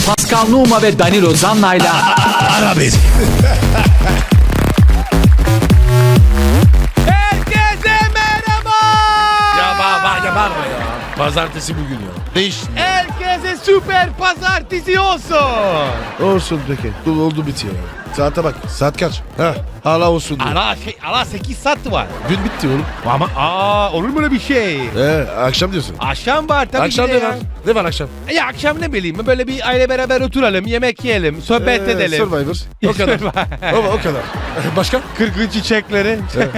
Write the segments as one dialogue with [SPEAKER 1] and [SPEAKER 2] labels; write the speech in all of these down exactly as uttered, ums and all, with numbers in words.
[SPEAKER 1] Pascal Numa ve Danilo Zanna'yla
[SPEAKER 2] Ara beni.
[SPEAKER 3] Herkese merhaba.
[SPEAKER 2] Ya bağırma ya bağırma ya. Pazartesi bugün ya. Değiş.
[SPEAKER 3] Herkese süper pazartesi olsun.
[SPEAKER 2] Olsun peki. Dur oldu bitiyor. Saate bak. Saat kaç? Ha, hala olsun diyor.
[SPEAKER 3] Ala şey, ala sekiz saat var.
[SPEAKER 2] Gün bitti oğlum.
[SPEAKER 3] Ama aa olur mu öyle bir şey?
[SPEAKER 2] Ee, akşam diyorsun.
[SPEAKER 3] Akşam var tabii
[SPEAKER 2] Akşam
[SPEAKER 3] ki de
[SPEAKER 2] ne
[SPEAKER 3] ya.
[SPEAKER 2] var? Ne var akşam?
[SPEAKER 3] Ya akşam ne bileyim böyle bir aile beraber oturalım, yemek yiyelim, sohbet
[SPEAKER 2] Ee,
[SPEAKER 3] edelim.
[SPEAKER 2] Survivor. O kadar. o, o kadar. Başka?
[SPEAKER 3] Kırgın çiçekleri.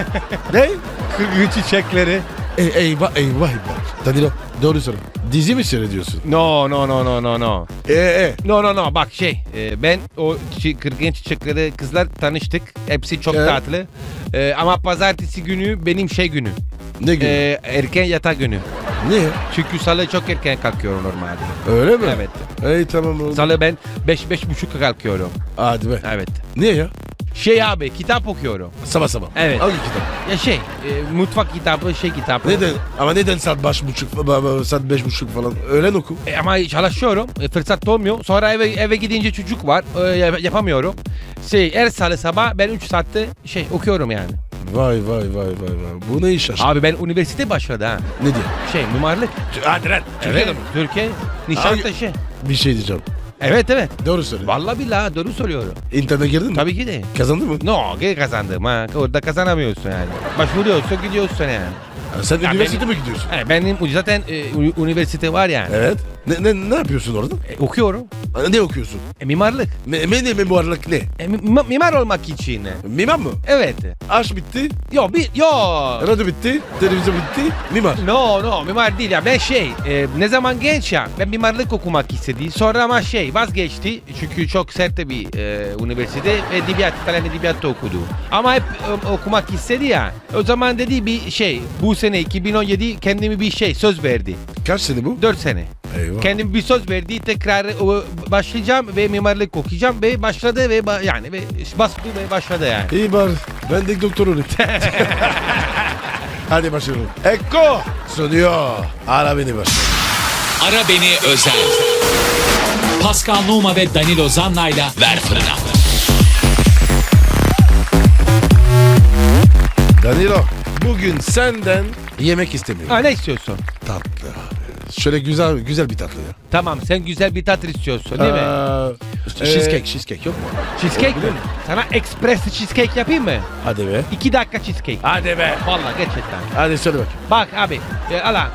[SPEAKER 2] Ne?
[SPEAKER 3] Kırgın çiçekleri.
[SPEAKER 2] Ey, eyvah eyvah eyvah. Danilo doğru soru. Dizi mi seyrediyorsun?
[SPEAKER 3] No no no no no no.
[SPEAKER 2] Ee, e.
[SPEAKER 3] No no no bak şey e, ben o çi- kırgın çiçekleri kızlar tanıştık. Hepsi çok
[SPEAKER 2] Evet.
[SPEAKER 3] tatlı. E, ama pazartesi günü benim şey günü.
[SPEAKER 2] Ne gün?
[SPEAKER 3] E, erken yatak günü.
[SPEAKER 2] Niye?
[SPEAKER 3] Çünkü salı çok erken kalkıyorum normalde.
[SPEAKER 2] Öyle mi?
[SPEAKER 3] Evet.
[SPEAKER 2] Ey tamam oğlum.
[SPEAKER 3] Salı ben beş beş buçuk kalkıyorum.
[SPEAKER 2] Hadi be.
[SPEAKER 3] Evet.
[SPEAKER 2] Niye ya?
[SPEAKER 3] Şey abi kitap okuyorum.
[SPEAKER 2] Sabah sabah.
[SPEAKER 3] Evet.
[SPEAKER 2] Hangi kitap?
[SPEAKER 3] Ya şey e, mutfak kitabı şey kitabı.
[SPEAKER 2] Neden? Ama neden saat beş buçuk, ba- ba- saat beş buçuk falan? Öğlen oku.
[SPEAKER 3] E, ama çalışıyorum. E, fırsat olmuyor. Sonra eve eve gidince çocuk var. E, yap- yapamıyorum. Şey her salı sabah ben üç saatte şey okuyorum yani.
[SPEAKER 2] Vay vay vay vay vay. Bu ne iş aşkım?
[SPEAKER 3] Abi ben üniversite başladı ha.
[SPEAKER 2] Ne diyor?
[SPEAKER 3] Şey mimarlık.
[SPEAKER 2] Hadi lan.
[SPEAKER 3] Evet. Türkiye. Nişantaşı.
[SPEAKER 2] Bir şey diyeceğim.
[SPEAKER 3] Evet evet.
[SPEAKER 2] Doğru söyle.
[SPEAKER 3] Vallahi billahi doğru söylüyorum.
[SPEAKER 2] İnternete girdin mi?
[SPEAKER 3] Tabii ki de.
[SPEAKER 2] Kazandın mı?
[SPEAKER 3] No, geri kazandım ha. Orada kazanamıyorsun yani. Başvuruyorsun gidiyorsun yani.
[SPEAKER 2] Ha, sen
[SPEAKER 3] Ya
[SPEAKER 2] üniversite
[SPEAKER 3] benim-
[SPEAKER 2] mi gidiyorsun?
[SPEAKER 3] Yani benim zaten e, ü- üniversite var yani.
[SPEAKER 2] Evet. Ne, ne, ne yapıyorsun orada?
[SPEAKER 3] E, okuyorum.
[SPEAKER 2] Ha, Ne okuyorsun?
[SPEAKER 3] E, mimarlık.
[SPEAKER 2] Me, me ne mimarlık ne?
[SPEAKER 3] E, mi- mimar olmak için.
[SPEAKER 2] Mimar mı?
[SPEAKER 3] Evet.
[SPEAKER 2] Aş bitti.
[SPEAKER 3] Yo bir yo.
[SPEAKER 2] Radyo bitti. Televizyon bitti. Mimar.
[SPEAKER 3] No no mimar değil ya ben şey e, ne zaman genç ya ben mimarlık okumak istedi sonra ama şey vazgeçti çünkü çok sert bir e, üniversite edebiyat falan edebiyatta okudu ama hep e, okumak istedi ya o zaman dedi bir şey bu sene iki bin on yedi kendimi bir şey söz verdi
[SPEAKER 2] Kaç sene bu?
[SPEAKER 3] dört sene
[SPEAKER 2] Eyvah.
[SPEAKER 3] kendim bir söz verdi tekrar e, başlayacağım ve mimarlık okuyacağım ve başladı ve ba- yani ve bastı ve başladı yani.
[SPEAKER 2] İyi bari. Ben de doktor olayım. Hadi başlayalım. Eko. Soruyor. Ara beni başla.
[SPEAKER 1] Ara Beni Özel. Pascal Numa ve Danilo Zanna'yla Ver Fırına.
[SPEAKER 2] Danilo. Bugün senden yemek istemiyorum.
[SPEAKER 3] Ha, ne istiyorsun?
[SPEAKER 2] Tatlı abi. Şöyle güzel güzel bir tatlı ya.
[SPEAKER 3] Tamam sen güzel bir tatlı istiyorsun değil mi?
[SPEAKER 2] Aa,
[SPEAKER 3] Ee,
[SPEAKER 2] cheesecake, cheesecake yok mu?
[SPEAKER 3] Cheesecake mi? Sana express cheesecake yapayım mı?
[SPEAKER 2] Hadi be.
[SPEAKER 3] İki dakika cheesecake.
[SPEAKER 2] Hadi be.
[SPEAKER 3] Vallahi gerçekten.
[SPEAKER 2] Hadi söyle bak.
[SPEAKER 3] Bak abi, e, ala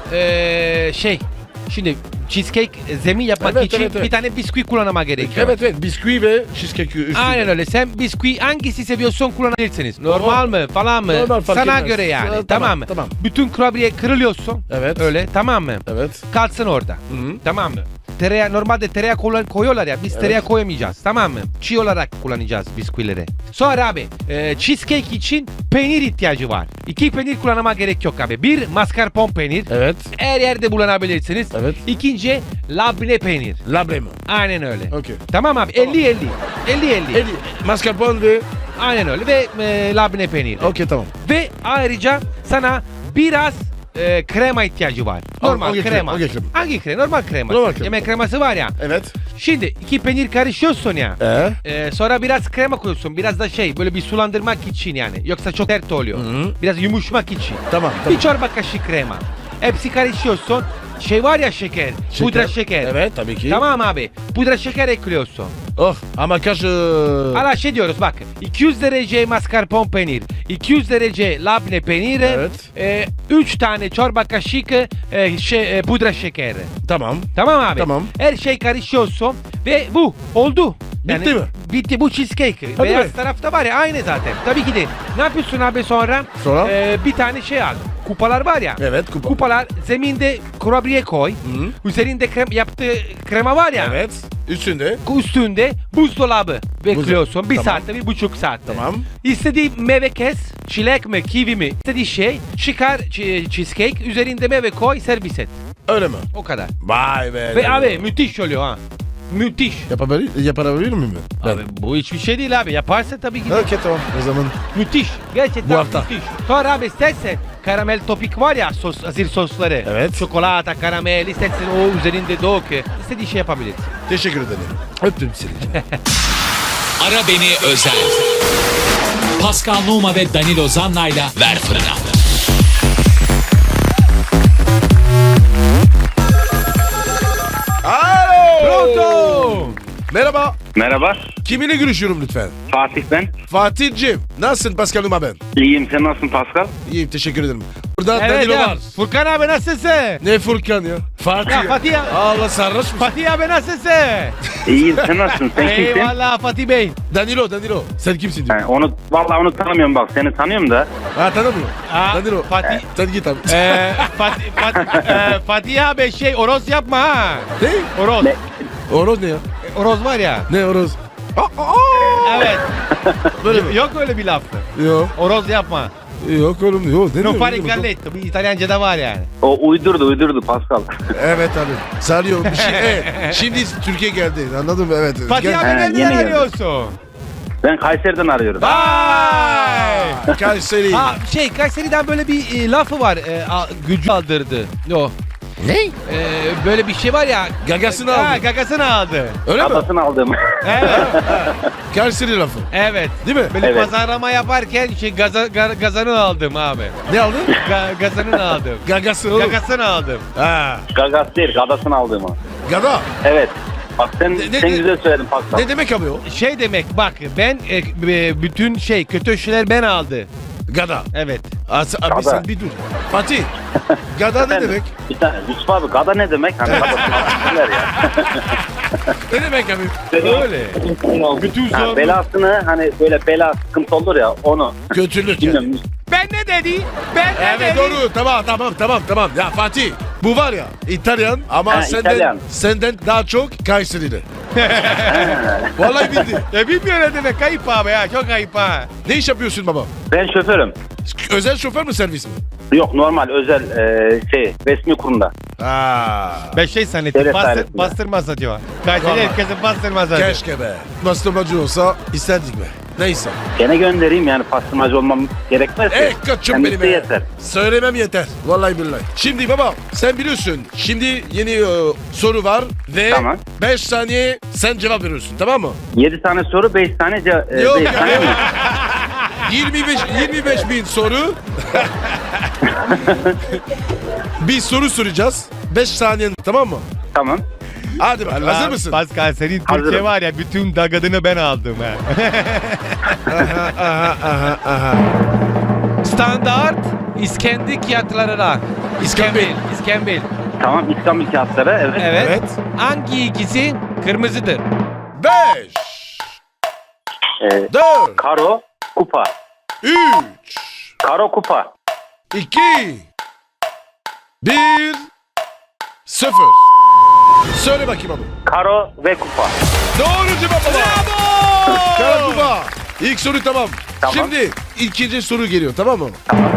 [SPEAKER 3] e, şey, şimdi cheesecake zemin yapmak
[SPEAKER 2] Evet,
[SPEAKER 3] için
[SPEAKER 2] evet, evet.
[SPEAKER 3] bir tane bisküvi kullanma gerekiyor.
[SPEAKER 2] Evet evet bisküvi ve cheesecake üstünde.
[SPEAKER 3] Aynen öyle. Sen bisküvi hangisi seviyorsan kullanabilirsiniz. Normal mı falan mı?
[SPEAKER 2] Normal, fark
[SPEAKER 3] Sana
[SPEAKER 2] etmez.
[SPEAKER 3] göre yani.
[SPEAKER 2] Ha,
[SPEAKER 3] tamam,
[SPEAKER 2] tamam,
[SPEAKER 3] mı?
[SPEAKER 2] tamam.
[SPEAKER 3] Bütün kurabiye kırılıyorsun.
[SPEAKER 2] Evet.
[SPEAKER 3] Öyle tamam mı?
[SPEAKER 2] Evet.
[SPEAKER 3] Kalsın orada.
[SPEAKER 2] Hı.
[SPEAKER 3] Tamam mı? Tereyağı normalde tereyağı kullan- koyuyorlar ya biz
[SPEAKER 2] Evet.
[SPEAKER 3] tereyağı koyamayacağız tamam mı? Çiğ olarak kullanacağız bisküvileri. Sonra abi e, cheesecake için peynir ihtiyacı var. İki peynir kullanma gerek yok abi. Bir mascarpone peynir.
[SPEAKER 2] Evet.
[SPEAKER 3] Her yerde bulunabilirsiniz.
[SPEAKER 2] Evet.
[SPEAKER 3] İkinci labne peynir.
[SPEAKER 2] Labre mi?
[SPEAKER 3] Aynen öyle.
[SPEAKER 2] Okey.
[SPEAKER 3] Tamam abi elli elli. elli elli.
[SPEAKER 2] Eli, mascarpone ve...
[SPEAKER 3] Aynen öyle ve e, labne peynir.
[SPEAKER 2] Okey tamam.
[SPEAKER 3] Ve ayrıca sana biraz e, krema ihtiyacı var. Normal
[SPEAKER 2] hangi
[SPEAKER 3] krema.
[SPEAKER 2] krema? Hangi krema?
[SPEAKER 3] Hangi krema? Normal krema.
[SPEAKER 2] Normal krema.
[SPEAKER 3] Yemek kreması var ya.
[SPEAKER 2] Evet.
[SPEAKER 3] Şimdi iki peynir karışıyorsun ya.
[SPEAKER 2] Ee?
[SPEAKER 3] Ee, sonra biraz krema koyuyorsun. Biraz da şey böyle bir sulandırmak için yani. Yoksa çok sert oluyor.
[SPEAKER 2] Hı.
[SPEAKER 3] Biraz yumuşamak için.
[SPEAKER 2] Tamam tamam.
[SPEAKER 3] Bir çorba kaşığı krema. Hepsi karışıyorsun. Şey var ya şeker. Pudra şeker.
[SPEAKER 2] Evet tabii ki.
[SPEAKER 3] Tamam abi. Pudra şeker ekliyorsun.
[SPEAKER 2] Oh ama kaç... ıı,
[SPEAKER 3] Hala şey diyoruz bak. iki yüz derece mascarpone peynir. iki yüz derece labne peyniri.
[SPEAKER 2] Evet.
[SPEAKER 3] E, üç tane çorba kaşığı e, şey, e, pudra şekeri.
[SPEAKER 2] Tamam.
[SPEAKER 3] Tamam abi.
[SPEAKER 2] Tamam.
[SPEAKER 3] Her şey karışıyorsun ve bu oldu.
[SPEAKER 2] Bitti mi?
[SPEAKER 3] Bitti bu cheesecake.
[SPEAKER 2] Hadi
[SPEAKER 3] Beyaz
[SPEAKER 2] be.
[SPEAKER 3] tarafta var ya aynı zaten. Tabii ki de. Ne yapıyorsun abi sonra?
[SPEAKER 2] Sonra?
[SPEAKER 3] Ee, bir tane şey al. Kupalar var ya.
[SPEAKER 2] Evet kupa.
[SPEAKER 3] Kupalar zeminde kurabiye koy.
[SPEAKER 2] Hı.
[SPEAKER 3] Üzerinde krem, yaptığı krema var ya.
[SPEAKER 2] Evet. Üstünde.
[SPEAKER 3] Üstünde buzdolabı bekliyorsun. Bir
[SPEAKER 2] Tamam.
[SPEAKER 3] saatte, bir buçuk saatte.
[SPEAKER 2] Tamam.
[SPEAKER 3] İstediği meyve kes. Çilek mi, kivi mi? İstediği şey. Çıkar ç- cheesecake. Üzerinde meyve koy, servis et.
[SPEAKER 2] Öyle mi?
[SPEAKER 3] O kadar.
[SPEAKER 2] Vay be.
[SPEAKER 3] Ve abi müthiş oluyor ha. Müthiş.
[SPEAKER 2] Yapabilir, yapabilir miyim ben?
[SPEAKER 3] Abi bu hiçbir şey değil abi. Yaparsa tabii ki de.
[SPEAKER 2] Okey tamam o zaman.
[SPEAKER 3] Müthiş. Gerçekten
[SPEAKER 2] Bu hafta.
[SPEAKER 3] müthiş. Sonra abi istersen karamel topik var ya sos, azir sosları.
[SPEAKER 2] Evet.
[SPEAKER 3] Çikolata, karamel istersen o üzerinde dök. İstediğin şey yapabilirsin.
[SPEAKER 2] Teşekkür ederim. Öptüm seni.
[SPEAKER 1] Ara Beni Özel. Pascal Numa ve Danilo Zanna'yla Ver Fırına.
[SPEAKER 2] Alo.
[SPEAKER 3] Pronto.
[SPEAKER 2] Merhaba.
[SPEAKER 4] Merhaba,
[SPEAKER 2] Kiminle görüşüyorum lütfen?
[SPEAKER 4] Fatih ben.
[SPEAKER 2] Fatih'cim. Nasılsın Pascal Numa ben?
[SPEAKER 4] İyiyim, sen nasılsın Pascal?
[SPEAKER 2] İyiyim teşekkür ederim. Burada
[SPEAKER 3] Evet
[SPEAKER 2] Danilo
[SPEAKER 3] ya.
[SPEAKER 2] var.
[SPEAKER 3] Furkan abi nasılsın?
[SPEAKER 2] Ne Furkan ya? Fatih.
[SPEAKER 3] Ya Fatih ya.
[SPEAKER 2] Allah sarhoş musun?
[SPEAKER 3] Fatih abi nasılsın?
[SPEAKER 4] İyiyim, sen nasılsın? Sen kimsin?
[SPEAKER 3] Eyvallah Fatih Bey.
[SPEAKER 2] Danilo Danilo. Sen kimsin diyor.
[SPEAKER 4] He, onu, vallahi onu tanımıyorum bak, seni tanıyorum da.
[SPEAKER 2] Ha tanımıyor.
[SPEAKER 3] Aa,
[SPEAKER 2] Danilo.
[SPEAKER 3] Fatih.
[SPEAKER 2] Sen git abi.
[SPEAKER 3] Ee, Fatih, Fatih, e, Fatih abi şey oroz yapma ha.
[SPEAKER 2] Ne?
[SPEAKER 3] Oroz.
[SPEAKER 4] Ne?
[SPEAKER 2] Oroz ne ya?
[SPEAKER 3] Oroz var ya.
[SPEAKER 2] Ne oroz?
[SPEAKER 3] Evet.
[SPEAKER 2] Böyle mi?
[SPEAKER 3] Yok öyle bir laf.
[SPEAKER 2] Yok.
[SPEAKER 3] Oroz yapma.
[SPEAKER 2] Yok oğlum yok. Ne
[SPEAKER 3] Non
[SPEAKER 2] diyor,
[SPEAKER 3] fare
[SPEAKER 2] ne diyor?
[SPEAKER 3] galletto. Bir İtalyanca'da var yani.
[SPEAKER 4] O uydurdu, uydurdu Pascal.
[SPEAKER 2] Evet abi. Sarıyor. Bir şey. Evet. Şimdi Türkiye geldi. Anladın mı? Evet.
[SPEAKER 3] Fatih
[SPEAKER 2] Gel-
[SPEAKER 3] abi
[SPEAKER 4] He,
[SPEAKER 3] nereden
[SPEAKER 4] yeni geldi.
[SPEAKER 3] arıyorsun?
[SPEAKER 4] Ben Kayseri'den arıyorum.
[SPEAKER 3] Vay!
[SPEAKER 2] Kayseri.
[SPEAKER 3] Ha şey Kayseri'den böyle bir e, lafı var. E, a, gücü aldırdı. O.
[SPEAKER 2] Ne?
[SPEAKER 3] E, böyle bir şey var ya.
[SPEAKER 2] Gagasını
[SPEAKER 3] Ha,
[SPEAKER 2] aldı.
[SPEAKER 3] gagasını aldı.
[SPEAKER 2] Öyle mi?
[SPEAKER 4] Adasını aldım.
[SPEAKER 3] Evet.
[SPEAKER 2] Kayseri lafı.
[SPEAKER 3] Evet.
[SPEAKER 2] Değil mi?
[SPEAKER 3] Böyle
[SPEAKER 4] Evet.
[SPEAKER 3] pazarlama yaparken şey gaza, ga- gazanı aldım abi.
[SPEAKER 2] Ne aldın?
[SPEAKER 3] Ga, gazanını aldım.
[SPEAKER 2] Gagası oğlum.
[SPEAKER 3] Gagasını aldım.
[SPEAKER 2] Ha.
[SPEAKER 4] Gagas değil, adasını aldım o.
[SPEAKER 2] Gada.
[SPEAKER 4] Evet. Bak sen,
[SPEAKER 2] Ne- ne-
[SPEAKER 4] sen
[SPEAKER 2] ne-
[SPEAKER 4] güzel söyledin Pascal.
[SPEAKER 2] Ne demek abi o?
[SPEAKER 3] Şey demek bak ben e, e, bütün şey kötü şeyler ben aldı.
[SPEAKER 2] Gada.
[SPEAKER 3] Evet.
[SPEAKER 2] As abi
[SPEAKER 4] Gada.
[SPEAKER 2] sen bir dur. Fatih. Gada ne
[SPEAKER 4] Efendim?
[SPEAKER 2] demek?
[SPEAKER 4] Bir tane Yusuf abi, gada ne demek? Hani adasını almışlar ya.
[SPEAKER 2] Ne demek abi?
[SPEAKER 3] Öyle. Bütün
[SPEAKER 4] Ha,
[SPEAKER 3] sorun-
[SPEAKER 4] belasını hani böyle bela sıkıntı olur ya onu.
[SPEAKER 2] Kötülük yani.
[SPEAKER 4] Bilmiyorum.
[SPEAKER 3] Ben ne dedi? Ben ne
[SPEAKER 2] Evet
[SPEAKER 3] dedi?
[SPEAKER 2] doğru tamam tamam tamam tamam. Ya Fatih bu var ya İtalyan ama
[SPEAKER 4] Ha,
[SPEAKER 2] senden
[SPEAKER 4] İtalyan.
[SPEAKER 2] senden daha çok Kayseri'de. Vallahi bildi.
[SPEAKER 3] Ya bilmiyorum ne demek kayıp abi ya çok ayıp ha.
[SPEAKER 2] Ne iş yapıyorsun baba?
[SPEAKER 4] Ben şoförüm.
[SPEAKER 2] Özel şoför mü servis mi?
[SPEAKER 4] Yok, normal özel e, şey resmi kurumda.
[SPEAKER 2] Aa.
[SPEAKER 3] Ben şey zannettim
[SPEAKER 4] Devlet
[SPEAKER 3] bastır,
[SPEAKER 4] dairesinde.
[SPEAKER 3] bastırma satıyor. Kayseri
[SPEAKER 2] Vallahi.
[SPEAKER 3] herkesin bastırma satıyor.
[SPEAKER 2] Keşke be. Bastırmacı olsa isterdik be. Neyse.
[SPEAKER 4] Gene göndereyim yani, pastırmacı olmam gerekmez ki.
[SPEAKER 2] Eh kaçım
[SPEAKER 4] Kendisi
[SPEAKER 2] benim be.
[SPEAKER 4] yeter.
[SPEAKER 2] Söylemem yeter. Vallahi billahi. Şimdi baba sen biliyorsun. Şimdi yeni e, soru var ve
[SPEAKER 4] Tamam.
[SPEAKER 2] beş saniye sen cevap veriyorsun tamam mı?
[SPEAKER 4] yedi tane soru, beş tane ce- e,
[SPEAKER 2] Yok
[SPEAKER 4] beş
[SPEAKER 2] ya,
[SPEAKER 4] tane
[SPEAKER 2] yok.
[SPEAKER 4] mi?
[SPEAKER 2] yirmi beş yirmi beş bin soru. Bir soru soracağız. beş saniyen tamam mı?
[SPEAKER 4] Tamam.
[SPEAKER 2] Hadi bak hazır
[SPEAKER 3] Allah,
[SPEAKER 2] mısın?
[SPEAKER 3] Pascal senin Türkçe
[SPEAKER 4] Hazırım.
[SPEAKER 3] var ya bütün dagadını ben aldım ha.
[SPEAKER 2] aha, aha, aha, aha.
[SPEAKER 3] Standart İskendik fiyatlarına.
[SPEAKER 2] İskambil.
[SPEAKER 3] İskambil.
[SPEAKER 4] Tamam, İstanbul kağıtları, evet.
[SPEAKER 3] Evet.
[SPEAKER 2] Evet.
[SPEAKER 3] Hangi ikisi kırmızıdır?
[SPEAKER 2] beş,
[SPEAKER 4] E,
[SPEAKER 2] dört,
[SPEAKER 4] karo, kupa.
[SPEAKER 2] üç,
[SPEAKER 4] Karo, kupa.
[SPEAKER 2] iki, bir, sıfır. Söyle bakayım abi.
[SPEAKER 4] Karo ve kupa.
[SPEAKER 2] Doğru cevap baba.
[SPEAKER 3] Bravo!
[SPEAKER 2] Karakuba. İlk soru tamam.
[SPEAKER 4] Tamam.
[SPEAKER 2] Şimdi ikinci soru geliyor tamam mı?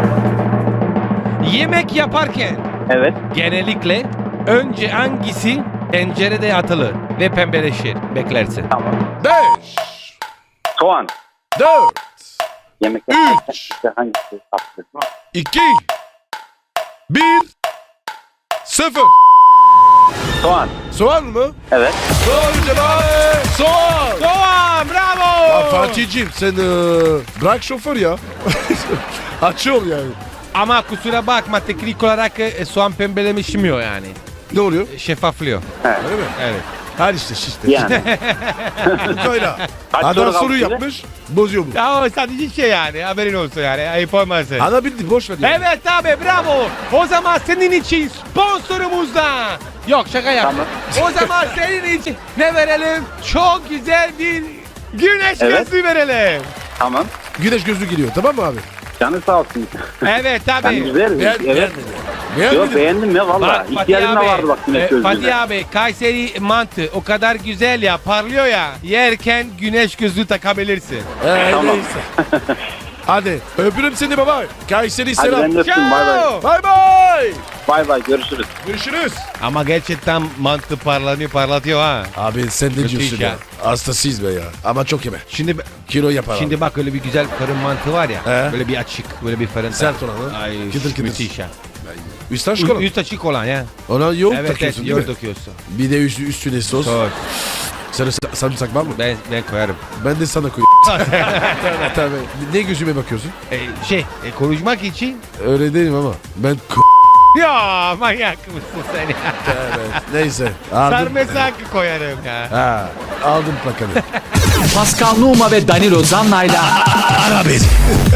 [SPEAKER 3] Yemek yaparken
[SPEAKER 4] Evet.
[SPEAKER 3] genellikle önce hangisi tencerede atılır ve pembeleşir beklersin.
[SPEAKER 4] Tamam.
[SPEAKER 2] beş,
[SPEAKER 4] Soğan.
[SPEAKER 2] dört,
[SPEAKER 4] Yemek
[SPEAKER 2] Üç.
[SPEAKER 4] yaparken işte hangisi tatlı?
[SPEAKER 2] iki, bir, sıfır.
[SPEAKER 4] Soğan.
[SPEAKER 2] Soğan mı?
[SPEAKER 4] Evet.
[SPEAKER 2] Doğru cevap. Soğan.
[SPEAKER 3] Doğan bravo!
[SPEAKER 2] Ya Fatih'ciğim sen e, bırak şoför ya. Açıyor yani.
[SPEAKER 3] Ama kusura bakma teknik olarak e, soğan pembeleşmiyor yani.
[SPEAKER 2] Ne oluyor?
[SPEAKER 3] Şeffaflıyor.
[SPEAKER 2] Öyle mi?
[SPEAKER 3] Evet.
[SPEAKER 2] Her işte işte.
[SPEAKER 4] Yani.
[SPEAKER 2] Böyle.
[SPEAKER 4] Kaç
[SPEAKER 2] Adam
[SPEAKER 4] soru kaldı
[SPEAKER 2] soru
[SPEAKER 4] size?
[SPEAKER 2] yapmış. Bozuyor bu.
[SPEAKER 3] Ya o sadece şey yani haberin olsun yani ayıp olmasın.
[SPEAKER 2] Ana bildi boş ver. ya.
[SPEAKER 3] Evet abi bravo. O zaman senin için sponsorumuz da. Yok şaka yap.
[SPEAKER 4] Tamam.
[SPEAKER 3] O zaman senin için ne verelim? Çok güzel bir güneş
[SPEAKER 4] Evet.
[SPEAKER 3] gözlüğü verelim.
[SPEAKER 4] Tamam.
[SPEAKER 2] Güneş gözlüğü geliyor tamam mı abi?
[SPEAKER 4] Canı sağ olsun.
[SPEAKER 3] Evet
[SPEAKER 4] Ben
[SPEAKER 3] abi.
[SPEAKER 4] güzel.
[SPEAKER 2] Beğen,
[SPEAKER 4] Evet.
[SPEAKER 2] beğenmedi. Beğenmedi.
[SPEAKER 4] Yok, beğendim ya valla.
[SPEAKER 3] Bak Fatih
[SPEAKER 4] İhtiyacım da
[SPEAKER 3] abi,
[SPEAKER 4] vardı bak güneş
[SPEAKER 3] e,
[SPEAKER 4] gözlüğüne.
[SPEAKER 3] Fatih abi Kayseri mantı o kadar güzel ya parlıyor ya yerken güneş gözlüğü takabilirsin.
[SPEAKER 2] Ee,
[SPEAKER 4] Tamam.
[SPEAKER 2] neyse. Hadi öpürüm seni baba. Kayseri
[SPEAKER 4] Hadi
[SPEAKER 2] selam.
[SPEAKER 4] ben de öptüm. Bay bay.
[SPEAKER 3] Ciao.
[SPEAKER 2] Bay bay.
[SPEAKER 4] Bay bay. Görüşürüz.
[SPEAKER 2] Görüşürüz.
[SPEAKER 3] Ama gerçekten mantı parlanıyor parlatıyor ha.
[SPEAKER 2] Abi sen ne diyorsun
[SPEAKER 3] iş
[SPEAKER 2] ya?
[SPEAKER 3] ya.
[SPEAKER 2] Hastasıyız be ya. Ama çok yeme.
[SPEAKER 3] Şimdi
[SPEAKER 2] Kilo yapar
[SPEAKER 3] şimdi
[SPEAKER 2] abi.
[SPEAKER 3] bak öyle bir güzel fırın mantı var ya.
[SPEAKER 2] He.
[SPEAKER 3] Böyle bir açık, böyle bir fırın.
[SPEAKER 2] Sert olan ha?
[SPEAKER 3] Ay
[SPEAKER 2] Kıtır kıtır.
[SPEAKER 3] müthiş ya.
[SPEAKER 2] Üstten çıkalım.
[SPEAKER 3] Üst açık olan ya.
[SPEAKER 2] Ona yoğurt
[SPEAKER 3] Evet evet
[SPEAKER 2] takıyorsun değil
[SPEAKER 3] yoğurt
[SPEAKER 2] mi?
[SPEAKER 3] döküyorsun.
[SPEAKER 2] Bir de üstü, üstüne sos.
[SPEAKER 3] Sos.
[SPEAKER 2] Sarı sarımsak var mı?
[SPEAKER 3] Ben, ben koyarım.
[SPEAKER 2] Ben de sana koyayım. Tabii tabii. Ne gözüme bakıyorsun?
[SPEAKER 3] E, şey e, konuşmak için.
[SPEAKER 2] Öyle değilim ama. Ben k-
[SPEAKER 3] Ya manyak mısın sen ya?
[SPEAKER 2] evet. Neyse. Aldım.
[SPEAKER 3] Sarımsak koyarım ya.
[SPEAKER 2] Ha, aldım plakanı.
[SPEAKER 1] Pascal Numa ve Danilo Zanna'yla
[SPEAKER 2] Ara beni.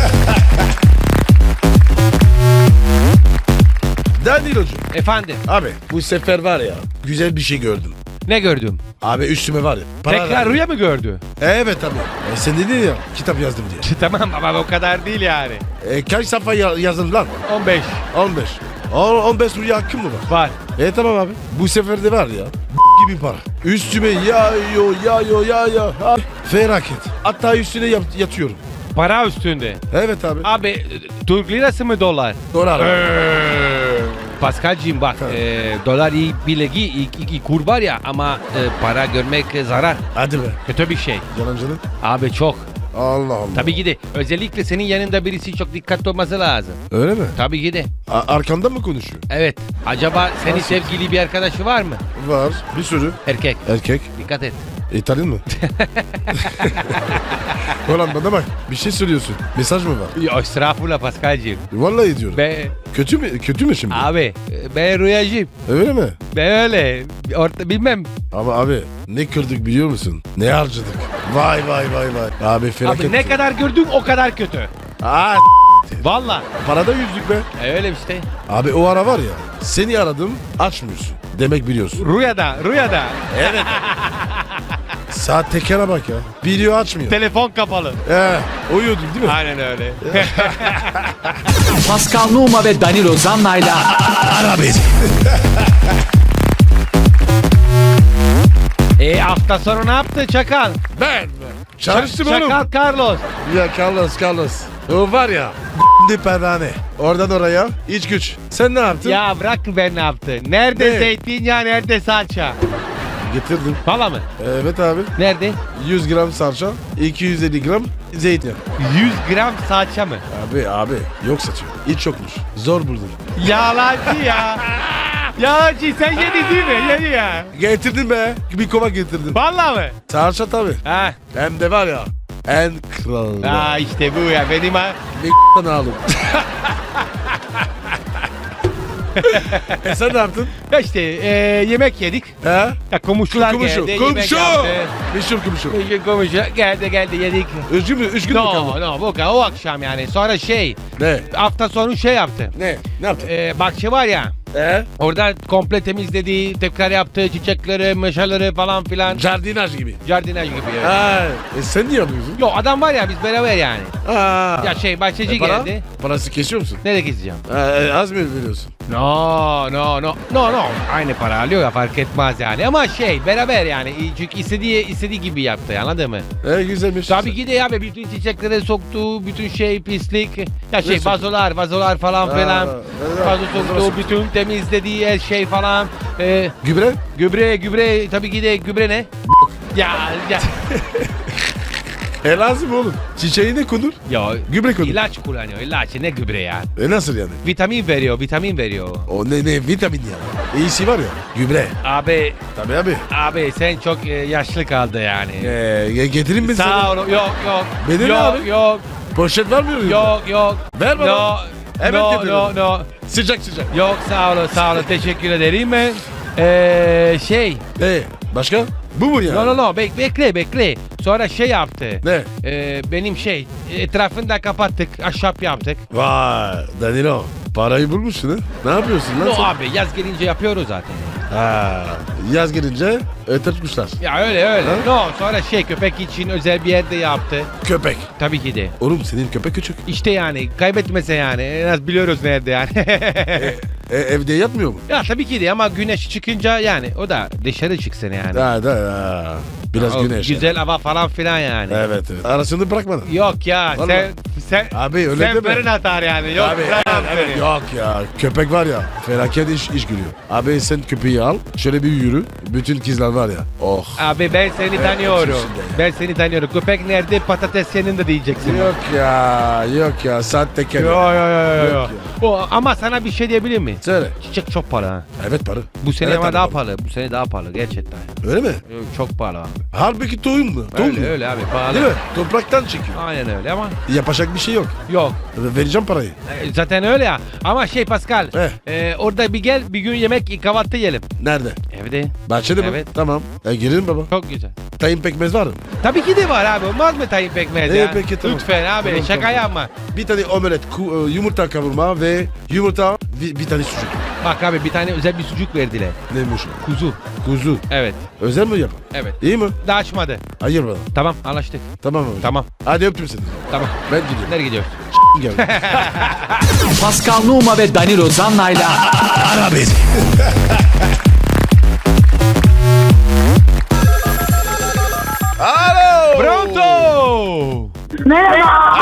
[SPEAKER 2] Danilocuğum.
[SPEAKER 3] Efendim
[SPEAKER 2] Abi bu sefer var ya güzel bir şey gördüm.
[SPEAKER 3] ne gördüm?
[SPEAKER 2] Abi üstüme var ya. para
[SPEAKER 3] Tekrar
[SPEAKER 2] verdim.
[SPEAKER 3] rüya mı gördü?
[SPEAKER 2] Evet abi. E, sen dedin ya kitap yazdım diye.
[SPEAKER 3] Tamam ama o kadar değil yani.
[SPEAKER 2] E, kaç sayfa ya- yazdın lan?
[SPEAKER 3] on beş
[SPEAKER 2] on beş. On- on beş rüya hakkım mı var?
[SPEAKER 3] var.
[SPEAKER 2] E tamam abi. Bu sefer de var ya gibi para. Üstüme yağıyor yağıyor yağıyor. Ha, felaket. Hatta üstüne yat- yatıyorum.
[SPEAKER 3] Para üstünde.
[SPEAKER 2] Evet abi.
[SPEAKER 3] Abi e, Türk lirası mı dolar?
[SPEAKER 2] Dolar. abi.
[SPEAKER 3] Pascal'cığım bak e, dolar iyi bilegi iyi, iyi kur var ya ama e, para görmek e, zarar.
[SPEAKER 2] Hadi be.
[SPEAKER 3] Kötü bir şey.
[SPEAKER 2] Yalancılık.
[SPEAKER 3] Abi çok.
[SPEAKER 2] Allah Allah.
[SPEAKER 3] Tabii ki de özellikle senin yanında birisi çok dikkatli olması lazım.
[SPEAKER 2] Öyle mi?
[SPEAKER 3] Tabii ki de.
[SPEAKER 2] A- arkanda mı konuşuyor?
[SPEAKER 3] Evet. Acaba senin
[SPEAKER 2] Nasıl?
[SPEAKER 3] sevgili bir arkadaşı var mı?
[SPEAKER 2] Var. Bir sürü.
[SPEAKER 3] Erkek.
[SPEAKER 2] Erkek.
[SPEAKER 3] Dikkat et.
[SPEAKER 2] İtalyan mı? Ulan bana bak. Bir şey söylüyorsun. Mesaj mı var?
[SPEAKER 3] Ya estağfurullah Pascal'cığım.
[SPEAKER 2] Vallahi diyorum.
[SPEAKER 3] Be,
[SPEAKER 2] Kötü mü? Kötü mü şimdi?
[SPEAKER 3] abi e, ben rüyacıyım.
[SPEAKER 2] Öyle mi?
[SPEAKER 3] Ben öyle. Orta, bilmem.
[SPEAKER 2] Ama abi ne kırdık biliyor musun? Ne harcadık? Vay vay vay vay. Abi felaket.
[SPEAKER 3] Abi ne kadar gördün o kadar kötü.
[SPEAKER 2] Aa,
[SPEAKER 3] Valla.
[SPEAKER 2] parada yüzdük be.
[SPEAKER 3] E, öyle işte.
[SPEAKER 2] Abi o ara var ya seni aradım açmıyorsun. Demek biliyorsun.
[SPEAKER 3] Rüyada, rüyada.
[SPEAKER 2] Saat tekere bak ya. Video açmıyor.
[SPEAKER 3] Telefon kapalı.
[SPEAKER 2] Ee, uyuyordun değil mi?
[SPEAKER 3] Aynen öyle.
[SPEAKER 1] Pascal Numa ve Danilo Zanna'yla
[SPEAKER 2] Ara beni.
[SPEAKER 3] e hafta sonu ne yaptı Çakal?
[SPEAKER 2] Ben mi? Çalıştım oğlum.
[SPEAKER 3] Çakal Carlos.
[SPEAKER 2] Ya Carlos Carlos. O var ya. Di pervane. Oradan oraya. İç güç. Sen ne yaptın?
[SPEAKER 3] Ya bırak ben ne yaptı? Nerede
[SPEAKER 2] Ne?
[SPEAKER 3] zeytinyağı, nerede salça?
[SPEAKER 2] Getirdim.
[SPEAKER 3] Valla mı?
[SPEAKER 2] Evet abi.
[SPEAKER 3] Nerede?
[SPEAKER 2] yüz gram salça. iki yüz elli gram zeytin.
[SPEAKER 3] yüz gram salça mı?
[SPEAKER 2] Abi abi yok satıyor. Hiç yokmuş. Zor buldum.
[SPEAKER 3] Yalancı ya. Yalancı sen yedi değil mi? Yedi ya.
[SPEAKER 2] Getirdim be. Bir kova getirdim.
[SPEAKER 3] Valla mı?
[SPEAKER 2] Salça tabii.
[SPEAKER 3] Ha.
[SPEAKER 2] Hem de var ya. En kralı.
[SPEAKER 3] Ha işte bu ya benim ha.
[SPEAKER 2] Bir k***dan aldım. e sen ne yaptın?
[SPEAKER 3] Ya işte e, yemek yedik.
[SPEAKER 2] He?
[SPEAKER 3] Ya komşular
[SPEAKER 2] Komşu.
[SPEAKER 3] geldi. Yemek
[SPEAKER 2] Komşu.
[SPEAKER 3] yaptı.
[SPEAKER 2] Meşhur komşu.
[SPEAKER 3] Komşu komşu geldi geldi yedik.
[SPEAKER 2] Üç gün mü? Üç gün mü
[SPEAKER 3] No
[SPEAKER 2] kaldı?
[SPEAKER 3] no bu o akşam yani. Sonra şey
[SPEAKER 2] Ne?
[SPEAKER 3] hafta sonu şey yaptı.
[SPEAKER 2] Ne? Ne yaptın?
[SPEAKER 3] E, bahçe var ya.
[SPEAKER 2] He?
[SPEAKER 3] Orada komple temizledi, tekrar yaptı, çiçekleri, meşaları falan filan.
[SPEAKER 2] Jardinaj gibi.
[SPEAKER 3] Jardinaj gibi. Evet.
[SPEAKER 2] Ha, e sen niye yapıyorsun?
[SPEAKER 3] Yo adam var ya biz beraber yani.
[SPEAKER 2] Ha.
[SPEAKER 3] Ya şey bahçeci
[SPEAKER 2] E para?
[SPEAKER 3] geldi.
[SPEAKER 2] Parası kesiyor musun?
[SPEAKER 3] Nereye gideceğim?
[SPEAKER 2] Ha, e, az mı veriyorsun?
[SPEAKER 3] No no no no no. Aynı para alıyor ya fark etmez yani. Ama şey beraber yani. Çünkü istediği istediği gibi yaptı anladın mı?
[SPEAKER 2] E güzelmiş.
[SPEAKER 3] Tabii ki de ya be bütün çiçekleri soktu, bütün şey pislik. Ya şey
[SPEAKER 2] soktu?
[SPEAKER 3] vazolar, vazolar falan
[SPEAKER 2] Ha,
[SPEAKER 3] filan.
[SPEAKER 2] evet,
[SPEAKER 3] Vazo
[SPEAKER 2] vazolar
[SPEAKER 3] soktu,
[SPEAKER 2] soktu.
[SPEAKER 3] bütün temizlediği her şey falan. Ee,
[SPEAKER 2] Gübre?
[SPEAKER 3] gübre, gübre tabii ki de gübre ne? ya ya.
[SPEAKER 2] E lazım oğlum. Çiçeği ne konur?
[SPEAKER 3] Ya
[SPEAKER 2] Gübre konur.
[SPEAKER 3] ilaç kullanıyor, ilaç ne gübre ya?
[SPEAKER 2] E nasıl yani?
[SPEAKER 3] Vitamin veriyor, vitamin veriyor.
[SPEAKER 2] O ne ne vitamin ya. İyisi var ya. Gübre.
[SPEAKER 3] Abi,
[SPEAKER 2] Tabii abi.
[SPEAKER 3] abi sen çok e, yaşlı kaldı yani.
[SPEAKER 2] E, getireyim mi sana?
[SPEAKER 3] Sağ ol, yok yok.
[SPEAKER 2] Benim
[SPEAKER 3] yok,
[SPEAKER 2] abi.
[SPEAKER 3] yok,
[SPEAKER 2] Poşet var mı?
[SPEAKER 3] yok, yok.
[SPEAKER 2] Ver bana.
[SPEAKER 3] No,
[SPEAKER 2] Hemen
[SPEAKER 3] no,
[SPEAKER 2] getiriyorum.
[SPEAKER 3] no, no.
[SPEAKER 2] Sıcak sıcak.
[SPEAKER 3] Yok sağ olun, sağ olun. Teşekkür ederim ben. Ee, şey,
[SPEAKER 2] E başka? Bu mu yani?
[SPEAKER 3] no no no bek bekle bekle. Sonra şey yaptı.
[SPEAKER 2] Ne?
[SPEAKER 3] Ee, benim şey etrafını da kapattık, ahşap yaptık.
[SPEAKER 2] Vay Danilo. Parayı bulmuşsun ha. Ne yapıyorsun lan
[SPEAKER 3] No
[SPEAKER 2] sen?
[SPEAKER 3] abi yaz gelince yapıyoruz zaten.
[SPEAKER 2] Ha, yaz gelince ötertmişler.
[SPEAKER 3] Ya öyle öyle.
[SPEAKER 2] Ha?
[SPEAKER 3] No sonra şey köpek için özel bir yerde yaptı.
[SPEAKER 2] Köpek.
[SPEAKER 3] Tabii ki de.
[SPEAKER 2] Oğlum senin köpek küçük.
[SPEAKER 3] İşte yani kaybetmese yani en az biliyoruz nerede yani.
[SPEAKER 2] E, evde yatmıyor mu?
[SPEAKER 3] ya tabii ki de ama güneş çıkınca yani o da dışarı çıksın yani.
[SPEAKER 2] Da da da. Biraz
[SPEAKER 3] O
[SPEAKER 2] güneş.
[SPEAKER 3] Güzel hava falan filan yani.
[SPEAKER 2] Evet evet. Arasını bırakmadın.
[SPEAKER 3] Yok ya
[SPEAKER 2] Vallahi.
[SPEAKER 3] sen Sen,
[SPEAKER 2] Abi öyle
[SPEAKER 3] sen
[SPEAKER 2] deme.
[SPEAKER 3] fırın atar yani. Yok
[SPEAKER 2] Abi
[SPEAKER 3] bırak
[SPEAKER 2] evet, evet,
[SPEAKER 3] seni.
[SPEAKER 2] yok ya köpek var ya felaket iş, iş gülüyor. Abi sen köpeği al şöyle bir yürü bütün kızlar var ya oh.
[SPEAKER 3] Abi ben seni
[SPEAKER 2] Evet,
[SPEAKER 3] tanıyorum.
[SPEAKER 2] içinde ya.
[SPEAKER 3] Ben seni tanıyorum. Köpek nerede patates yanında diyeceksin.
[SPEAKER 2] Yok ya yok ya sahtekar.
[SPEAKER 3] Yo yo yo yo.
[SPEAKER 2] Yok
[SPEAKER 3] yo.
[SPEAKER 2] ya.
[SPEAKER 3] O, ama sana bir şey diyebilir mi?
[SPEAKER 2] Söyle.
[SPEAKER 3] Çiçek çok pahalı ha.
[SPEAKER 2] Evet para.
[SPEAKER 3] Bu sene
[SPEAKER 2] Evet,
[SPEAKER 3] ama
[SPEAKER 2] abi,
[SPEAKER 3] daha
[SPEAKER 2] baba.
[SPEAKER 3] pahalı. Bu sene daha pahalı gerçekten.
[SPEAKER 2] Öyle mi?
[SPEAKER 3] Yok, çok pahalı abi.
[SPEAKER 2] Halbuki tohum mu? Tohum
[SPEAKER 3] Öyle
[SPEAKER 2] mu?
[SPEAKER 3] öyle abi pahalı.
[SPEAKER 2] Değil mi? Topraktan çekiyor.
[SPEAKER 3] Aynen öyle ama
[SPEAKER 2] Yapacak bir şey yok.
[SPEAKER 3] yok.
[SPEAKER 2] Vereceğim parayı.
[SPEAKER 3] E, Zaten öyle ya. Ama şey Pascal.
[SPEAKER 2] Eh.
[SPEAKER 3] e, orada bir gel bir gün yemek kahvaltı yiyelim.
[SPEAKER 2] Nerede?
[SPEAKER 3] Evde.
[SPEAKER 2] Bahçede mi?
[SPEAKER 3] Evet.
[SPEAKER 2] Tamam. E, girelim baba.
[SPEAKER 3] Çok güzel.
[SPEAKER 2] Tayin pekmez var mı?
[SPEAKER 3] Tabii ki de var abi. Olmaz mı tayin pekmez
[SPEAKER 2] İyi,
[SPEAKER 3] ya?
[SPEAKER 2] peki, tamam.
[SPEAKER 3] Lütfen abi
[SPEAKER 2] Tamam,
[SPEAKER 3] şaka
[SPEAKER 2] tamam.
[SPEAKER 3] yapma.
[SPEAKER 2] Bir tane omelet, ku- e, yumurta kavurma ve yumurta bir, bir tane sucuk.
[SPEAKER 3] Bak abi bir tane özel bir sucuk verdiler.
[SPEAKER 2] Neymiş o?
[SPEAKER 3] Kuzu.
[SPEAKER 2] Kuzu.
[SPEAKER 3] Evet.
[SPEAKER 2] Özel mi yapın?
[SPEAKER 3] Evet.
[SPEAKER 2] İyi mi?
[SPEAKER 3] Daha açmadı.
[SPEAKER 2] Hayır bana.
[SPEAKER 3] Tamam anlaştık.
[SPEAKER 2] Tamam abi.
[SPEAKER 3] Tamam.
[SPEAKER 2] Hadi öptüm seni.
[SPEAKER 3] Tamam.
[SPEAKER 2] Ben gidiyorum.
[SPEAKER 3] Nereye gidiyoruz?
[SPEAKER 2] Gel.
[SPEAKER 1] Pascal Numa ve Danilo Zanna'yla
[SPEAKER 2] Ara beni. Alo.
[SPEAKER 3] Pronto!
[SPEAKER 5] Merhaba.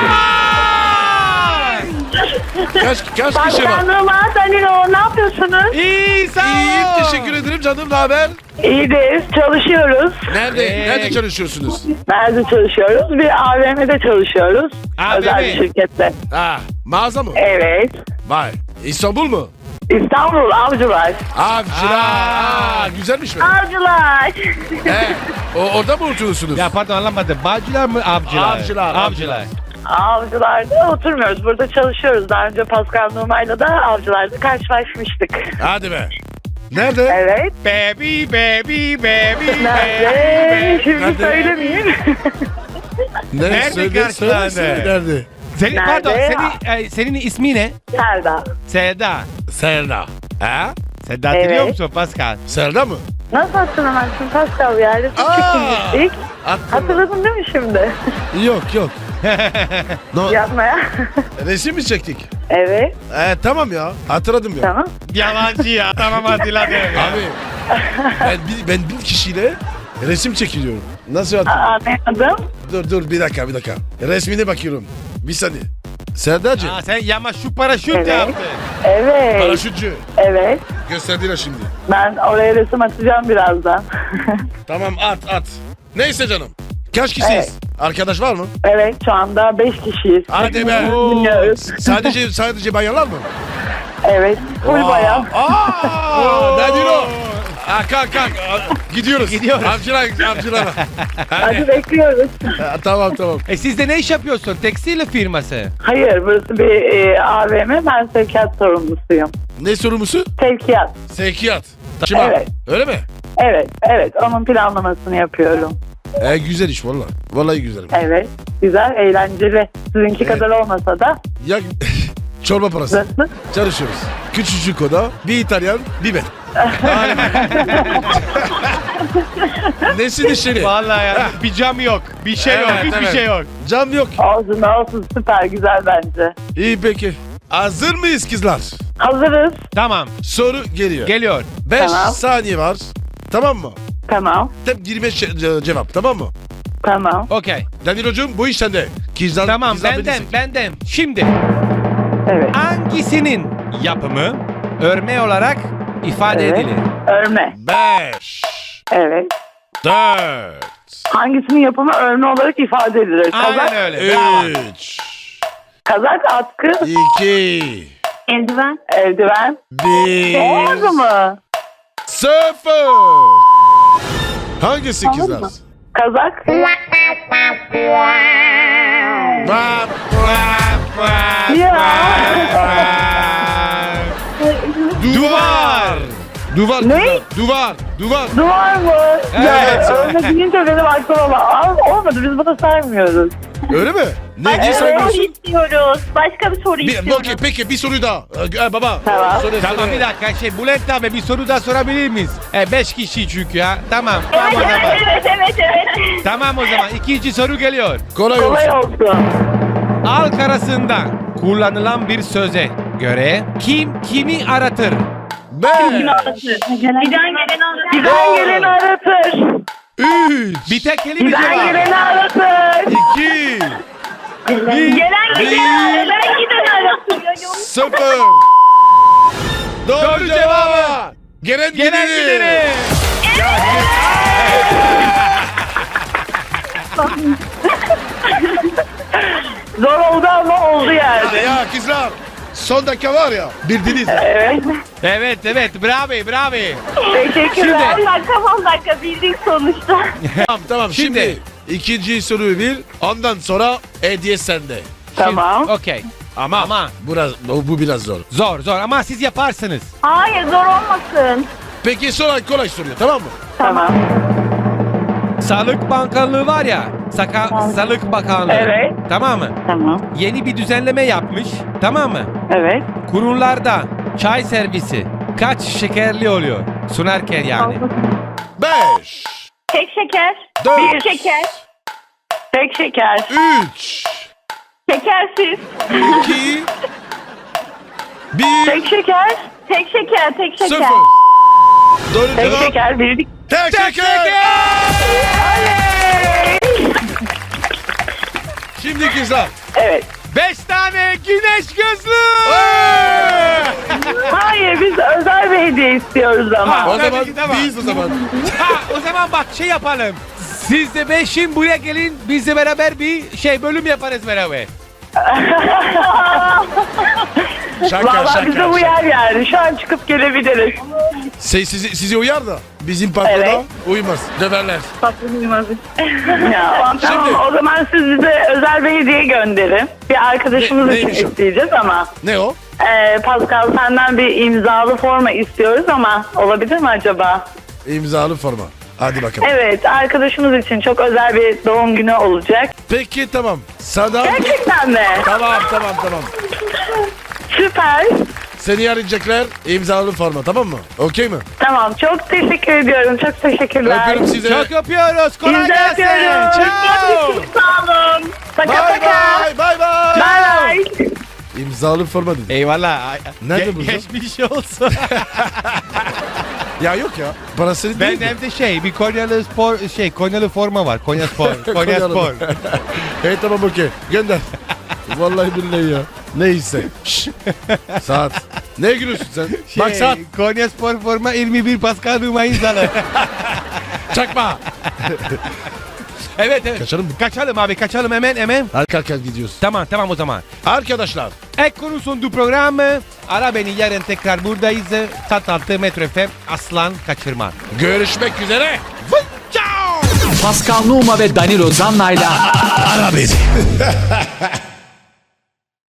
[SPEAKER 2] Kaç, kaç kişi var?
[SPEAKER 5] Başkanlığıma Danilo ne yapıyorsunuz?
[SPEAKER 3] İyi sağ ol.
[SPEAKER 2] İyiyim teşekkür ederim canım ne haber?
[SPEAKER 5] İyiyiz, çalışıyoruz.
[SPEAKER 2] Nerede?
[SPEAKER 3] Ee,
[SPEAKER 2] Nerede çalışıyorsunuz?
[SPEAKER 5] Nerede çalışıyoruz? Bir A V M'de çalışıyoruz.
[SPEAKER 3] A V M.
[SPEAKER 5] Özel bir şirkette.
[SPEAKER 2] Ha, mağaza mı?
[SPEAKER 5] Evet.
[SPEAKER 2] Vay. İstanbul mu?
[SPEAKER 5] İstanbul Avcılar.
[SPEAKER 2] Avcılar.
[SPEAKER 3] Aa.
[SPEAKER 2] Aa, güzelmiş mi?
[SPEAKER 5] Avcılar.
[SPEAKER 2] He. O, orada mı oturuyorsunuz?
[SPEAKER 3] Ya pardon anlamadım. Bağcılar mı avcılar?
[SPEAKER 2] Avcılar,
[SPEAKER 3] Avcılar.
[SPEAKER 5] Avcılar'da oturmuyoruz. Burada çalışıyoruz. Daha önce Pascal Numa'yla da Avcılar'da karşılaşmıştık.
[SPEAKER 2] Hadi be. Nerede?
[SPEAKER 5] Evet.
[SPEAKER 3] Baby baby baby
[SPEAKER 5] Nerede? Şimdi
[SPEAKER 2] Nerede?
[SPEAKER 5] söylemeyeyim.
[SPEAKER 2] Ne?
[SPEAKER 3] Nerede
[SPEAKER 2] Söyle,
[SPEAKER 3] karşılandı?
[SPEAKER 2] söyle, söyle, Nerede?
[SPEAKER 3] Senin,
[SPEAKER 5] Nerede?
[SPEAKER 3] pardon senin, e, senin ismi ne?
[SPEAKER 5] Selda.
[SPEAKER 3] Seda.
[SPEAKER 2] Serda. Ha?
[SPEAKER 3] Seda
[SPEAKER 5] Evet.
[SPEAKER 3] hatırlıyor musun Pascal?
[SPEAKER 2] Serda mı?
[SPEAKER 5] Nasıl hatırlamazsın Pascal ya? Resim
[SPEAKER 2] Aa!
[SPEAKER 5] çekilmiştik.
[SPEAKER 2] Attım.
[SPEAKER 5] Hatırladın değil mi şimdi?
[SPEAKER 2] Yok yok. No,
[SPEAKER 5] Yapmaya.
[SPEAKER 2] resim mi çektik?
[SPEAKER 5] Evet.
[SPEAKER 2] Ee, tamam ya. Hatırladım ya.
[SPEAKER 5] Tamam.
[SPEAKER 3] Yalancı ya. Tamam hatırladım.
[SPEAKER 2] Abi ben, bir- ben bir kişiyle resim çekiliyorum. Nasıl hatırladın?
[SPEAKER 5] Anladım.
[SPEAKER 2] Dur dur bir dakika bir dakika. Resmine bakıyorum. Bir saniye. Serdacığım.
[SPEAKER 3] Aa, sen yama şu paraşüt
[SPEAKER 5] Evet.
[SPEAKER 3] yaptın.
[SPEAKER 5] Evet.
[SPEAKER 2] Paraşütçü.
[SPEAKER 5] Evet.
[SPEAKER 2] Gösterdiler şimdi.
[SPEAKER 5] Ben oraya resim atacağım birazdan.
[SPEAKER 2] Tamam at at. Neyse canım. Kaç kişiyiz?
[SPEAKER 5] Evet.
[SPEAKER 2] Arkadaş var mı?
[SPEAKER 5] Evet şu anda beş kişiyiz.
[SPEAKER 2] Hadi be.
[SPEAKER 5] Hepimiz dinliyoruz.
[SPEAKER 2] Sadece sadece bayanlar mı?
[SPEAKER 5] Evet. Full bayan.
[SPEAKER 2] Aa, ne diyor o? Aa, kalk kalk. Aa, Gidiyoruz.
[SPEAKER 3] Gidiyoruz.
[SPEAKER 2] Avcılar, avcılara.
[SPEAKER 5] Hadi bekliyoruz.
[SPEAKER 2] Ha, tamam tamam.
[SPEAKER 3] E siz de ne iş yapıyorsun? Tekstil firması.
[SPEAKER 5] Hayır burası bir e, A V M. Ben sevkiyat sorumlusuyum.
[SPEAKER 2] Ne sorumlusu?
[SPEAKER 5] Sevkiyat.
[SPEAKER 2] Sevkiyat. Taşıma.
[SPEAKER 5] Evet.
[SPEAKER 2] Öyle mi?
[SPEAKER 5] Evet. Evet. Onun planlamasını yapıyorum.
[SPEAKER 2] E, güzel iş valla. Vallahi güzel.
[SPEAKER 5] Evet. Güzel, eğlenceli. Sizinki
[SPEAKER 2] Evet.
[SPEAKER 5] kadar olmasa da.
[SPEAKER 2] Ya çorba parası.
[SPEAKER 5] Nasıl?
[SPEAKER 2] Çalışıyoruz. Küçücük oda, bir İtalyan, bir ben. Nesin işleri?
[SPEAKER 3] Vallahi ya bir cam yok. Bir şey yok.
[SPEAKER 2] Evet,
[SPEAKER 3] Hiçbir
[SPEAKER 2] evet.
[SPEAKER 3] şey yok.
[SPEAKER 2] Cam yok.
[SPEAKER 5] Olsun olsun süper güzel bence.
[SPEAKER 2] İyi peki. Hazır mıyız kızlar?
[SPEAKER 5] Hazırız.
[SPEAKER 3] Tamam.
[SPEAKER 2] Soru geliyor.
[SPEAKER 3] Geliyor.
[SPEAKER 2] beş
[SPEAKER 5] Tamam.
[SPEAKER 2] saniye var. Tamam mı?
[SPEAKER 5] Tamam.
[SPEAKER 2] Hep yirmi beş ce- cevap tamam mı?
[SPEAKER 5] Tamam.
[SPEAKER 3] Okey.
[SPEAKER 2] Danilo'cum bu iş sende. Kızlar,
[SPEAKER 3] Tamam
[SPEAKER 2] kızlar
[SPEAKER 3] benden
[SPEAKER 2] bilirsin.
[SPEAKER 3] benden. Şimdi
[SPEAKER 5] Evet.
[SPEAKER 3] hangisinin yapımı örme olarak ifade
[SPEAKER 5] Evet.
[SPEAKER 3] edilir?
[SPEAKER 5] Örme.
[SPEAKER 2] Beş.
[SPEAKER 5] Evet.
[SPEAKER 2] Dört.
[SPEAKER 5] Hangisinin yapımı örme olarak ifade edilir?
[SPEAKER 3] Aynen
[SPEAKER 5] Kazak,
[SPEAKER 3] öyle. Bravo.
[SPEAKER 2] Üç.
[SPEAKER 5] kazak, atkı,
[SPEAKER 2] İki.
[SPEAKER 5] eldiven, eldiven.
[SPEAKER 2] Bir.
[SPEAKER 5] Olmadı mı?
[SPEAKER 2] Sıfır. Hangisi kızlar?
[SPEAKER 5] mı? Kazak.
[SPEAKER 2] Vap,
[SPEAKER 5] Ya.
[SPEAKER 2] Duvar. Duvar.
[SPEAKER 5] Ne?
[SPEAKER 2] kızlar, Duvar. Duvar.
[SPEAKER 5] Duvar mı?
[SPEAKER 3] Evet.
[SPEAKER 5] Ya örme deyince benim aklıma bak. Olmadı biz bunu saymıyoruz.
[SPEAKER 2] Öyle mi? Ne
[SPEAKER 5] Evet.
[SPEAKER 2] diye saymıyorsun?
[SPEAKER 5] istiyoruz. Başka bir soru
[SPEAKER 2] Bir, okey, peki bir soru daha. Ee, baba.
[SPEAKER 5] Tamam.
[SPEAKER 2] Söyle,
[SPEAKER 3] Tamam
[SPEAKER 2] söyle.
[SPEAKER 3] bir dakika şey Bülent abi bir soru daha sorabilir miyiz? E, beş kişi çünkü ya. Tamam. Tamam o zaman.
[SPEAKER 5] evet evet evet.
[SPEAKER 3] Tamam o zaman. İkinci soru geliyor.
[SPEAKER 2] Kolay
[SPEAKER 5] Kolay
[SPEAKER 2] olsun.
[SPEAKER 5] olsun.
[SPEAKER 3] Halk arasında kullanılan bir söze göre kim kimi aratır?
[SPEAKER 2] Beş.
[SPEAKER 5] Giden geleni aratır. Giden geleni aratır.
[SPEAKER 2] Üç.
[SPEAKER 3] Bir tek kelime
[SPEAKER 5] Giden
[SPEAKER 3] cevap.
[SPEAKER 5] geleni aratır.
[SPEAKER 2] İki.
[SPEAKER 5] Gelen giden, gelen giden arasın.
[SPEAKER 2] Sıfır. Doğru,
[SPEAKER 3] Doğru
[SPEAKER 2] cevabı.
[SPEAKER 3] cevabı.
[SPEAKER 2] Gelen,
[SPEAKER 3] Gelen
[SPEAKER 2] gideni.
[SPEAKER 3] gideni.
[SPEAKER 5] Zor oldu ama oldu yani.
[SPEAKER 2] Ya kızlar. Son dakika var ya. Bildiniz.
[SPEAKER 5] Evet.
[SPEAKER 3] Evet evet bravo bravo.
[SPEAKER 5] Teşekkürler.
[SPEAKER 3] Şimdi-
[SPEAKER 5] on dakika on dakika bildik sonuçta.
[SPEAKER 2] Tamam tamam şimdi,
[SPEAKER 3] Şimdi-
[SPEAKER 2] ikinci soruyu bil. Ondan sonra hediye sende.
[SPEAKER 5] Tamam.
[SPEAKER 3] Okey. Ama ama
[SPEAKER 2] Biraz, bu, bu biraz zor.
[SPEAKER 3] zor zor ama siz yaparsınız.
[SPEAKER 5] Hayır zor olmasın.
[SPEAKER 2] Peki sonra kolay soruyor tamam mı?
[SPEAKER 5] Tamam.
[SPEAKER 3] Sağlık Bakanlığı var ya. Saka, Sağlık Bakanlığı.
[SPEAKER 5] Evet.
[SPEAKER 3] Tamam mı?
[SPEAKER 5] Tamam.
[SPEAKER 3] Yeni bir düzenleme yapmış. Tamam mı?
[SPEAKER 5] Evet.
[SPEAKER 3] Kurumlarda çay servisi kaç şekerli oluyor? Sunarken yani.
[SPEAKER 2] Beş.
[SPEAKER 5] Tek şeker.
[SPEAKER 2] Dört.
[SPEAKER 5] Bir şeker. Tek şeker.
[SPEAKER 2] Üç.
[SPEAKER 5] Şekersiz.
[SPEAKER 2] İki. Bir.
[SPEAKER 5] Tek şeker. Tek şeker. Tek şeker.
[SPEAKER 2] Sıfır. Doğru
[SPEAKER 5] Tek
[SPEAKER 2] cevap.
[SPEAKER 5] şeker bildik.
[SPEAKER 2] Tek şeker. Şimdi kızlar.
[SPEAKER 5] Evet.
[SPEAKER 3] Beş tane güneş gözlüğü.
[SPEAKER 5] Hayır biz özel bir hediye istiyoruz ama.
[SPEAKER 2] O
[SPEAKER 3] Tabii
[SPEAKER 2] zaman
[SPEAKER 3] ki, tamam.
[SPEAKER 2] biz o zaman.
[SPEAKER 3] Ha, o zaman bak şey yapalım. Siz de beşin buraya gelin. Biz de beraber bir şey bölüm yaparız beraber.
[SPEAKER 2] Şaka
[SPEAKER 5] Valla
[SPEAKER 2] şaka.
[SPEAKER 5] bize
[SPEAKER 2] şaka.
[SPEAKER 5] uyar yani. Şu an çıkıp gelebiliriz.
[SPEAKER 2] Şey, sizi, sizi uyar da bizim patrona
[SPEAKER 5] Evet.
[SPEAKER 2] uymaz. Döverler.
[SPEAKER 5] Ya, tamam
[SPEAKER 2] Şimdi-
[SPEAKER 5] o zaman siz bize özel bir hediye gönderin. Bir arkadaşımız
[SPEAKER 2] Ne-
[SPEAKER 5] için
[SPEAKER 2] neymiş o?
[SPEAKER 5] isteyeceğiz ama.
[SPEAKER 2] Ne o?
[SPEAKER 5] Ee, Pascal senden bir imzalı forma istiyoruz ama olabilir mi acaba?
[SPEAKER 2] İmzalı forma. Hadi bakalım.
[SPEAKER 5] Evet arkadaşımız için çok özel bir doğum günü olacak.
[SPEAKER 2] Peki tamam. Sana...
[SPEAKER 5] Gerçekten mi?
[SPEAKER 2] Tamam tamam tamam.
[SPEAKER 5] Süper.
[SPEAKER 2] Seni arayacaklar imzalı forma tamam mı? Okey mi?
[SPEAKER 5] Tamam çok teşekkür ediyorum. Çok teşekkürler.
[SPEAKER 2] Öpüyorum sizi.
[SPEAKER 3] Çok öpüyoruz. Kolay
[SPEAKER 5] Biz de
[SPEAKER 3] gelsin.
[SPEAKER 5] öpüyoruz.
[SPEAKER 3] Ciao.
[SPEAKER 5] Çok sağ olun. Paka
[SPEAKER 2] Bye
[SPEAKER 5] paka.
[SPEAKER 2] bye bye bye.
[SPEAKER 5] Bye bye.
[SPEAKER 2] İmzalı forma dedi.
[SPEAKER 3] Eyvallah. Ay-
[SPEAKER 2] Nerede
[SPEAKER 3] Ge-
[SPEAKER 2] bu?
[SPEAKER 3] Geçmiş olsun.
[SPEAKER 2] Ya yok ya. Parası
[SPEAKER 3] Ben
[SPEAKER 2] değil mi?
[SPEAKER 3] evde şey bir Konyalı spor şey Konyalı forma var. Konya Spor. Konya
[SPEAKER 2] Konyalı.
[SPEAKER 3] Spor.
[SPEAKER 2] Hey tamam okey. Gönder. Vallahi billahi ya. Neyse. Şş. Saat. Ne gülüyorsun sen?
[SPEAKER 3] Şey,
[SPEAKER 2] Bak saat.
[SPEAKER 3] Konya Spor forma yirmi bir Pascal Numa imzalı.
[SPEAKER 2] Çakma.
[SPEAKER 3] Evet evet.
[SPEAKER 2] Kaçalım mı?
[SPEAKER 3] Kaçalım abi kaçalım hemen hemen.
[SPEAKER 2] Hadi kalk kalk gidiyoruz.
[SPEAKER 3] Tamam tamam o zaman.
[SPEAKER 2] Arkadaşlar.
[SPEAKER 3] Ek konu sunduğu program. Ara beni yarın tekrar buradayız. Tat altı Metro F M aslan kaçırma.
[SPEAKER 2] Görüşmek üzere.
[SPEAKER 1] Pascal Numa ve Danilo Zanna'yla
[SPEAKER 2] Ara beni.